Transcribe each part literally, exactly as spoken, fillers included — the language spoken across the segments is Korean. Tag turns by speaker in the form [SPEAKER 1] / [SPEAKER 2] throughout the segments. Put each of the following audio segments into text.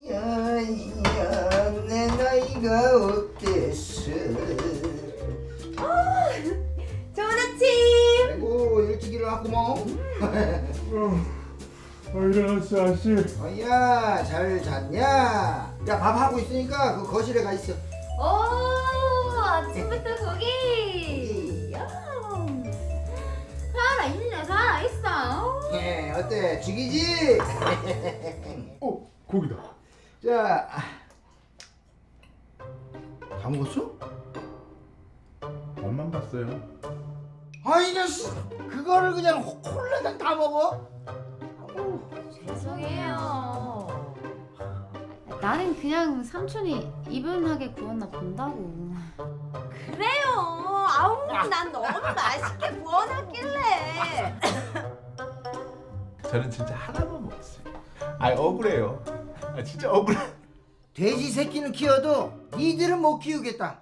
[SPEAKER 1] 야야 내 나이가 어땠어?
[SPEAKER 2] 어, 좋은 아침.
[SPEAKER 1] 아이고 일찍 일어났구먼.
[SPEAKER 3] 어, 일어났어 아씨.
[SPEAKER 1] 어이야 잘 잤냐? 야 밥하고 있으니까 그 거실에 가 있어.
[SPEAKER 2] 오, 아침부터 고기. 야, 살아있네, 살아있어.
[SPEAKER 1] 예 어때 죽이지?
[SPEAKER 3] 어 고기다.
[SPEAKER 1] 자, 다 먹었어?
[SPEAKER 3] 엄만 봤어요.
[SPEAKER 1] 아이 녀석 그거를 그냥 홀라당 다 먹어? 아우.
[SPEAKER 2] 죄송해요. 나는 그냥 삼촌이 이분하게 구웠나 본다고. 그래요. 아우, 난 너무 맛있게 구워놨길래.
[SPEAKER 3] 저는 진짜 하나만 먹었어요. 아 억울해요. 아 진짜 억울해.
[SPEAKER 1] 돼지 새끼는 키워도 니들은 못 키우겠다.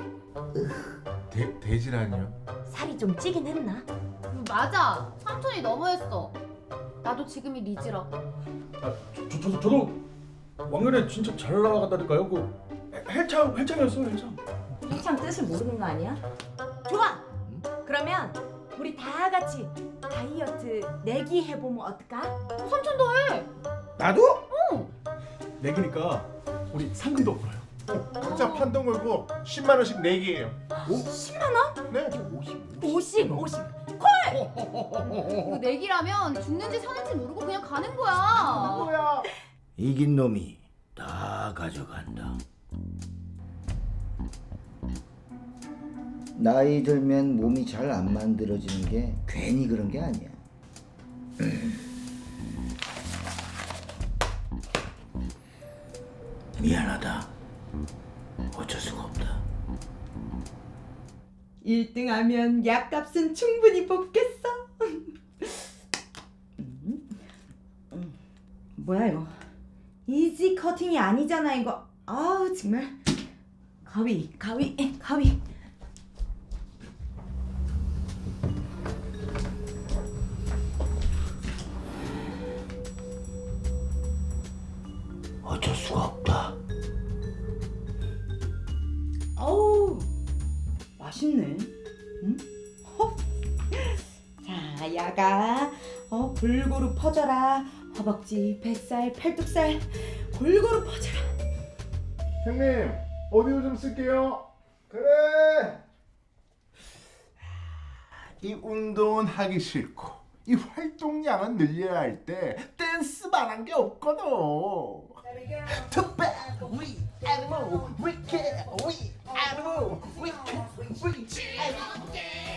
[SPEAKER 3] 돼 돼지라니요?
[SPEAKER 2] 살이 좀 찌긴 했나? 맞아. 삼촌이 너무했어. 나도 지금이 리즈라.
[SPEAKER 4] 아, 저, 저, 저, 저도 왕년에 진짜 잘 나가다니까요. 그 헬창, 헬창이었어요, 헬창.
[SPEAKER 2] 헬창 뜻을 모르는 거 아니야? 좋아. 그러면 우리 다 같이 다이어트 내기 해보면 어떨까? 삼촌도 해.
[SPEAKER 1] 나도?
[SPEAKER 4] 내기니까 우리 상금도 풀어요.
[SPEAKER 3] 각자 판돈 걸고 십만 원씩 내기예요.
[SPEAKER 2] 십만 원?
[SPEAKER 3] 네.
[SPEAKER 2] 오십, 오십.
[SPEAKER 5] 이거 내기라면 죽는지 사는지 모르고 그냥 가는 거야.
[SPEAKER 3] 뭐야?
[SPEAKER 1] 이긴 놈이 다 가져간다. 나이 들면 몸이 잘 안 만들어지는 게 괜히 그런 게 아니야. 미안하다. 어쩔 수가 없다.
[SPEAKER 2] 일 등 하면 약값은 충분히 뽑겠어. 뭐야 이거? 이지 커팅이 아니잖아 이거. 아우 정말. 가위, 가위, 가위.
[SPEAKER 1] 어쩔 수가 없다.
[SPEAKER 2] 어우 맛있네. 응? 헉. 자 야가 어 골고루 퍼져라. 허벅지, 뱃살, 팔뚝살 골고루 퍼져라.
[SPEAKER 3] 형님 오디오 좀 쓸게요.
[SPEAKER 1] 그래.
[SPEAKER 3] 이 운동은 하기 싫고 이 활동량은 늘려야 할 때 댄스만 한 게 없거든.
[SPEAKER 1] Too bad we animal, we can we animal, we can we animal.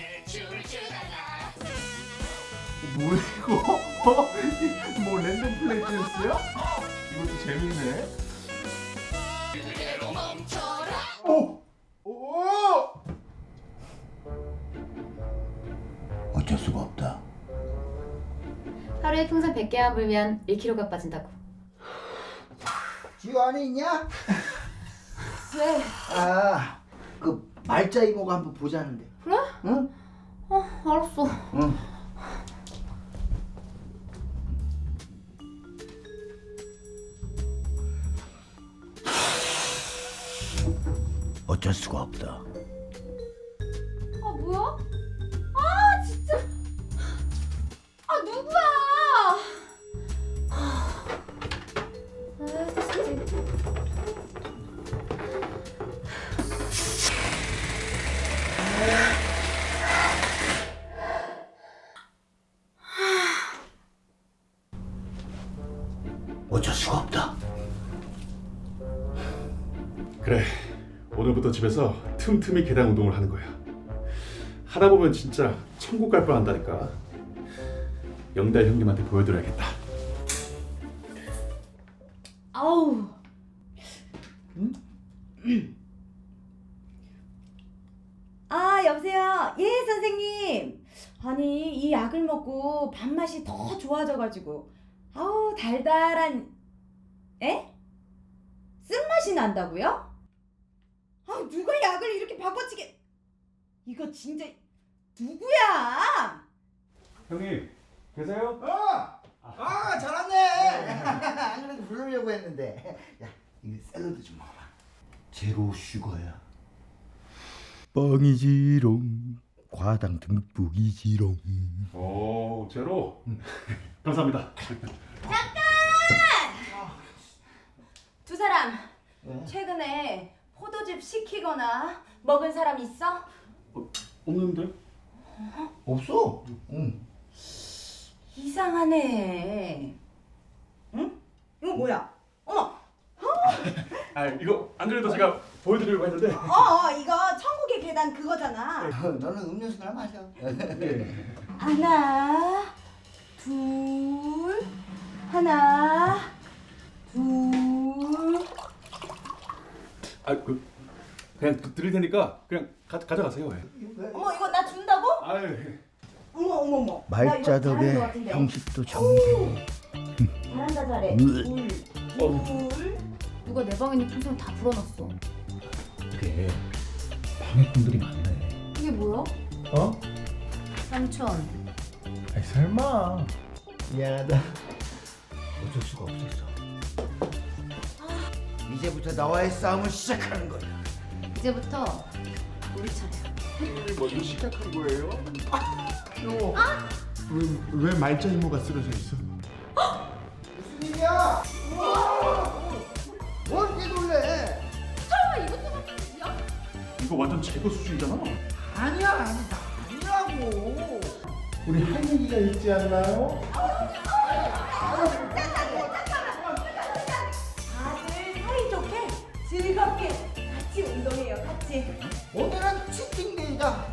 [SPEAKER 3] 뭐야 이거? 어? 뭐 랜덤 플레이 댄스야? 이것도 재밌네. 오! 오!
[SPEAKER 1] 어쩔 수가 없다.
[SPEAKER 5] 하루에 풍선 백 개와 불면 일 킬로그램가 빠진다고.
[SPEAKER 1] 지우 안에 있냐?
[SPEAKER 2] 왜?
[SPEAKER 1] 아, 그 말자 이모가 한번 보자는데.
[SPEAKER 5] 그래?
[SPEAKER 1] 응?
[SPEAKER 5] 어, 알았어.
[SPEAKER 1] 응. 어쩔 수가 없다.
[SPEAKER 5] 아, 뭐야? 아, 진짜. 아, 누구야? 아, 진짜.
[SPEAKER 1] 어쩔 수가 없다.
[SPEAKER 4] 그래, 오늘부터 집에서 틈틈이 계단 운동을 하는 거야. 하다 보면 진짜 천국 갈 뻔한다니까. 영달 형님한테 보여드려야겠다.
[SPEAKER 2] 아우. 응? 아 여보세요. 예 선생님. 아니 이 약을 먹고 밥맛이 더 좋아져가지고 아우 달달한 에? 쓴맛이 난다고요? 아 누가 약을 이렇게 바꿔치게. 이거 진짜 누구야?
[SPEAKER 4] 형님, 계세요?
[SPEAKER 1] 어! 아 잘하네. 안 그래도 부르려고 했는데. 야 이거 샐러드 좀 먹어봐. 제로 슈거야.
[SPEAKER 6] 뻥이지롱 과당 듬뿍이지롱.
[SPEAKER 4] 오 제로. 감사합니다.
[SPEAKER 2] 두 사람
[SPEAKER 1] 왜?
[SPEAKER 2] 최근에 포도즙 시키거나 먹은 사람 있어?
[SPEAKER 4] 없는데?
[SPEAKER 1] 없어. 응.
[SPEAKER 2] 이상하네. 응? 이거 뭐야? 어머.
[SPEAKER 4] 아 이거 안 그래도 제가 보여드리려고 했는데.
[SPEAKER 2] 어, 어 이거 천국의 계단 그거잖아.
[SPEAKER 1] 너는 음료수나 마셔.
[SPEAKER 2] 하나, 둘, 하나, 둘.
[SPEAKER 4] 아그 그냥 드- 드릴 테니까 그냥 가, 가져가세요. 예.
[SPEAKER 2] 어머 이거 나 준다고?
[SPEAKER 4] 아유.
[SPEAKER 2] 어머 어머 어머.
[SPEAKER 6] 말자
[SPEAKER 2] 나 이거 잘하는 것
[SPEAKER 6] 덕에
[SPEAKER 2] 같은데.
[SPEAKER 6] 형식도 정리되고.
[SPEAKER 2] 잘한다 잘해.
[SPEAKER 6] 으.
[SPEAKER 2] 둘, 둘.
[SPEAKER 5] 누가 내 방에 있는 풍선을 다 불어놨어.
[SPEAKER 6] 그래 방해꾼들이 많네.
[SPEAKER 5] 이게 뭐야?
[SPEAKER 6] 어?
[SPEAKER 5] 삼촌.
[SPEAKER 6] 아이 설마. 미안하다. 어쩔 수가 없었어.
[SPEAKER 1] 이제부터 나와의 싸움을 시작하는 거야.
[SPEAKER 5] 이제부터 우리 차례야.
[SPEAKER 3] 먼저 시작한 거예요? 어? 왜, 왜 말자 이모가 쓰러져 있어?
[SPEAKER 1] 무슨 일이야? 뭘 이렇게 놀래?
[SPEAKER 4] 이거 완전 제거 수준이잖아.
[SPEAKER 1] 아니야 아니 아니라고.
[SPEAKER 3] 우리 할 얘기가 있지 않나요?
[SPEAKER 2] 다들 사이좋게 즐겁게 같이 운동해요 같이.
[SPEAKER 1] 오늘은 치팅데이다.